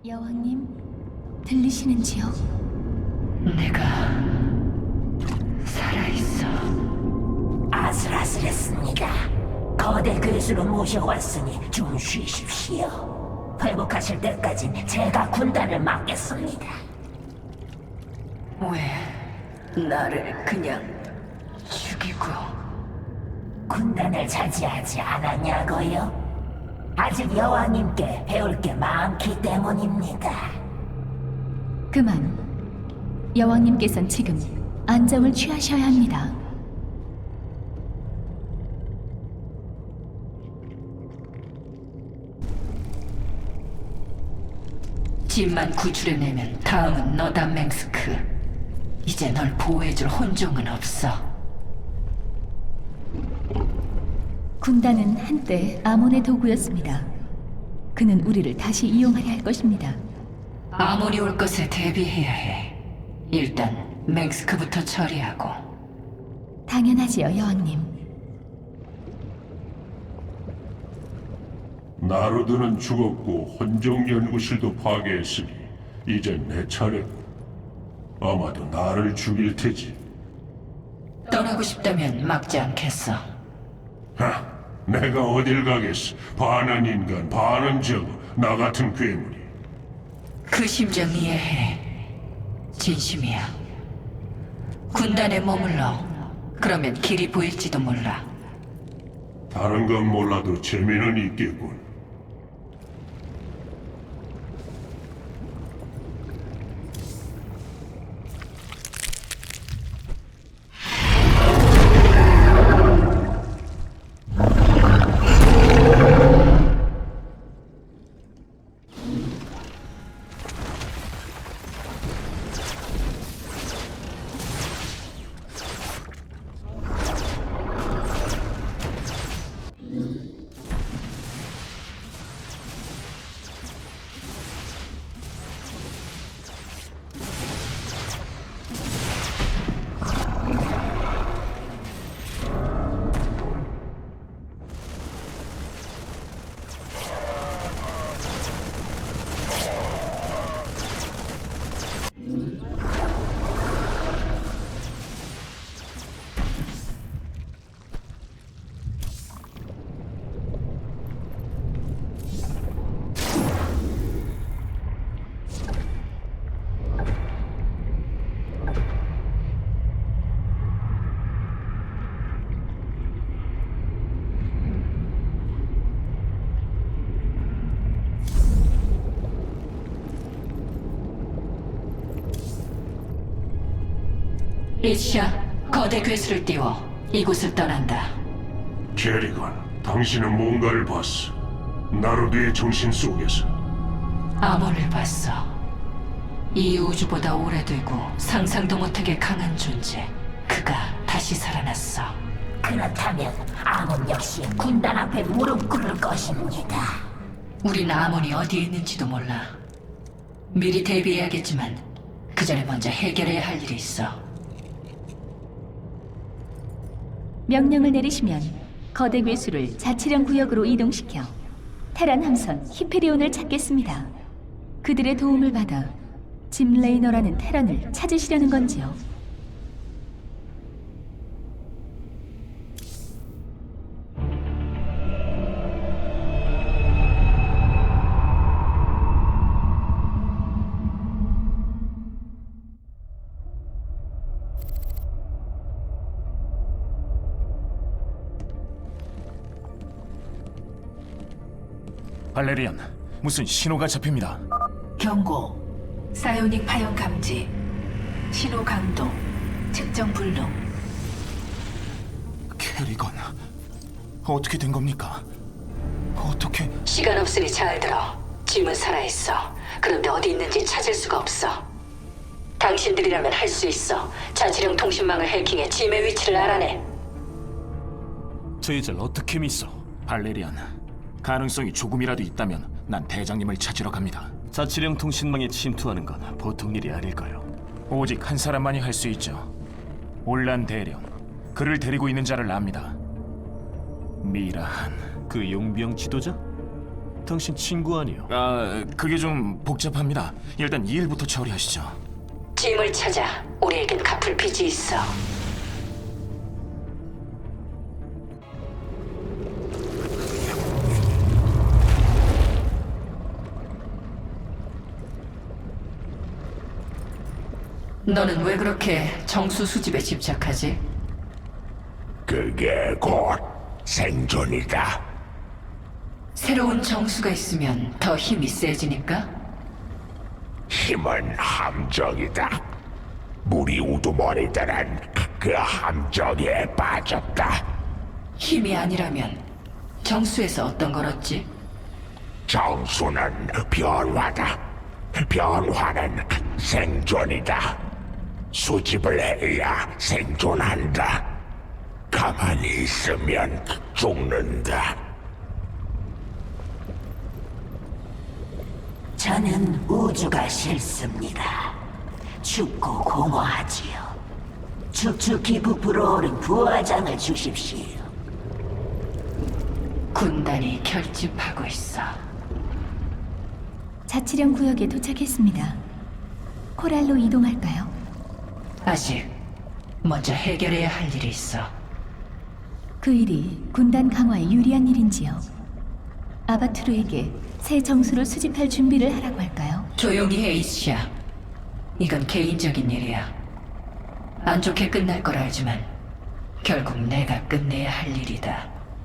여왕님, 들리시는지요? 내가 살아있어. 아슬아슬했습니다. 거대 괴수로 모셔왔으니 좀 쉬십시오. 회복하실 때까진 제가 군단을 맡겠습니다. 왜 나를 그냥 죽이고? 군단을 차지하지 않았냐고요? 아직 여왕님께 배울 게 많기 때문입니다. 그만. 여왕님께선 지금 안정을 취하셔야 합니다. 집만 구출해내면 다음은 너다, 맹스크. 이제 널 보호해줄 혼종은 없어. 군단은 한때 아몬의 도구였습니다. 그는 우리를 다시 이용하려 할 것입니다. 아몬이 올 것에 대비해야 해. 일단 맹스크부터 처리하고. 당연하지요, 여왕님. 나루드는 죽었고 혼종 연구실도 파괴했으니 이젠 내 차례고 아마도 나를 죽일 테지. 떠나고 싶다면 막지 않겠어. 하, 내가 어딜 가겠어. 반은 인간, 반은 저거, 나 같은 괴물이. 그 심정 이해해. 진심이야. 군단에 머물러. 그러면 길이 보일지도 몰라. 다른 건 몰라도 재미는 있겠군. 리치야, 거대 괴수를 띄워 이곳을 떠난다. 캐리건, 당신은 뭔가를 봤어. 나루드의 정신 속에서. 아몬을 봤어. 이 우주보다 오래되고 상상도 못하게 강한 존재. 그가 다시 살아났어. 그렇다면 아몬 역시 군단 앞에 무릎 꿇을 것입니다. 우린 아몬이 어디에 있는지도 몰라. 미리 대비해야겠지만 그 전에 먼저 해결해야 할 일이 있어. 명령을 내리시면 거대 괴수를 자치령 구역으로 이동시켜 테란 함선 히페리온을 찾겠습니다. 그들의 도움을 받아 짐 레이너라는 테란을 찾으시려는 건지요? 발레리안, 무슨 신호가 잡힙니다. 경고. 사이오닉 파형 감지. 신호 강도. 측정 불능. 캐리건, 어떻게 된 겁니까? 어떻게... 시간 없으니 잘 들어. 짐은 살아있어. 그런데 어디 있는지 찾을 수가 없어. 당신들이라면 할 수 있어. 자치령 통신망을 해킹해 짐의 위치를 알아내. 저희들 어떻게 믿어? 발레리안, 가능성이 조금이라도 있다면 난 대장님을 찾으러 갑니다. 자치령 통신망에 침투하는 건 보통 일이 아닐까요? 오직 한 사람만이 할 수 있죠. 올란 대령, 그를 데리고 있는 자를 압니다. 미라한. 그 용병 지도자? 당신 친구 아니요? 그게 좀 복잡합니다. 일단 이 일부터 처리하시죠. 짐을 찾아. 우리에겐 갚을 빚이 있어. 너는 왜 그렇게 정수 수집에 집착하지? 그게 곧 생존이다. 새로운 정수가 있으면 더 힘이 세지니까? 힘은 함정이다. 물이 우두머리들은 그 함정에 빠졌다. 힘이 아니라면 정수에서 어떤 걸 얻지? 정수는 변화다. 변화는 생존이다. 수집을 해야 생존한다. 가만히 있으면 죽는다. 저는 우주가 싫습니다. 춥고 공허하지요. 축축히 부풀어 오른 부화장을 주십시오. 군단이 결집하고 있어. 자치령 구역에 도착했습니다. 코랄로 이동할까요? 아직 먼저 해결해야 할 일이 있어. 그 일이 군단 강화에 유리한 일인지요? 아바투르에게 새 정수를 수집할 준비를 하라고 할까요? 조용히 해, 이시야. 이건 개인적인 일이야. 안 좋게 끝날 걸 알지만 결국 내가 끝내야 할 일이다.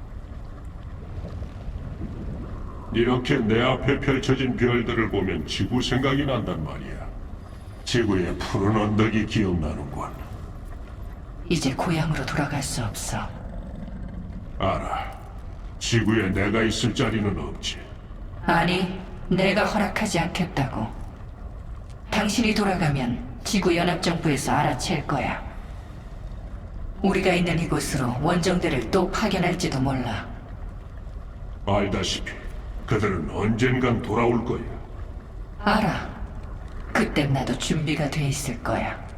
이렇게 내 앞에 펼쳐진 별들을 보면 지구 생각이 난단 말이야. 지구의 푸른 언덕이 기억나는군. 이제 고향으로 돌아갈 수 없어. 알아. 지구에 내가 있을 자리는 없지. 아니, 내가 허락하지 않겠다고. 당신이 돌아가면 지구연합정부에서 알아챌 거야. 우리가 있는 이곳으로 원정대를 또 파견할지도 몰라. 알다시피 그들은 언젠간 돌아올 거야. 알아. 그땐 나도 준비가 돼 있을 거야.